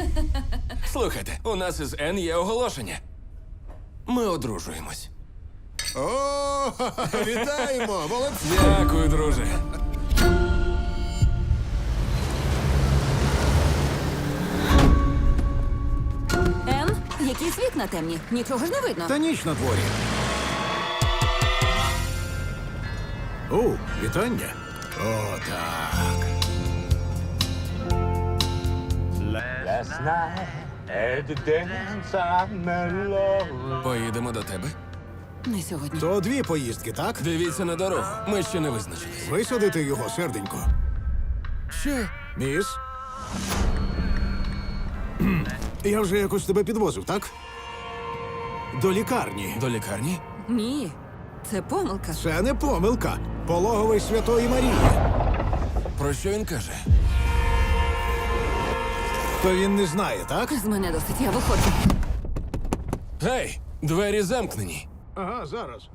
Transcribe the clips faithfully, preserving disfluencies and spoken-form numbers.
Слухайте, у нас із Ен є оголошення. Ми одружуємось. О, вітаємо! Молодці! Дякую, друже. Ен, який світ на темні? Нічого ж не видно. Та ніч на дворі. О, вітання. О, так. Last night at the dance I met love. Поїдемо до тебе. Не сьогодні. То дві поїздки, так? Дивіться на дорогу. Ми ще не визначились. Висадити його, серденько. Що? Міс? Кхм. Я вже якось тебе підвозив, так? До лікарні. До лікарні? Ні, це помилка. Це не помилка. Пологовий Святої Марії. Про що він каже? То він не знає, так? З мене досить, я виходжу. Гей, двері замкнені. Ага, зараз.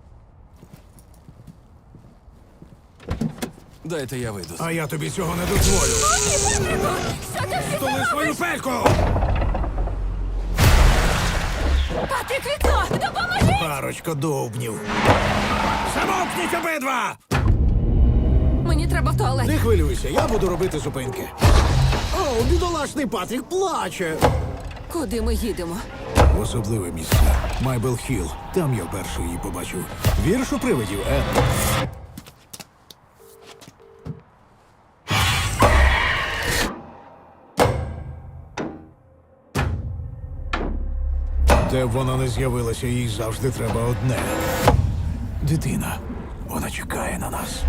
Дайте я вийду. А я тобі цього не дозволю. Що ти всі Столи свою пельку! Патрік, вікно! Допоможи! Парочка довбнів. Замовкніть обидва! Мені треба в туалет. Не хвилюйся, я буду робити зупинки. О, бідолашний Патрік плаче. Куди ми їдемо? В особливе місце. Майбел Хілл. Там я вперше її побачив. Вірш у привидів, Ен. Де б вона не з'явилася, їй завжди треба одне. Дитина. Вона чекає на нас.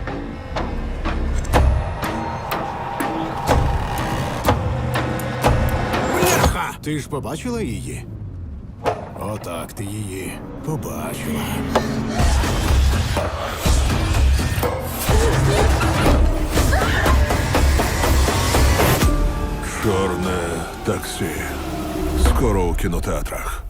Бляха! Ти ж побачила її? Отак ти її побачила. Чорне таксі. Скоро у кінотеатрах.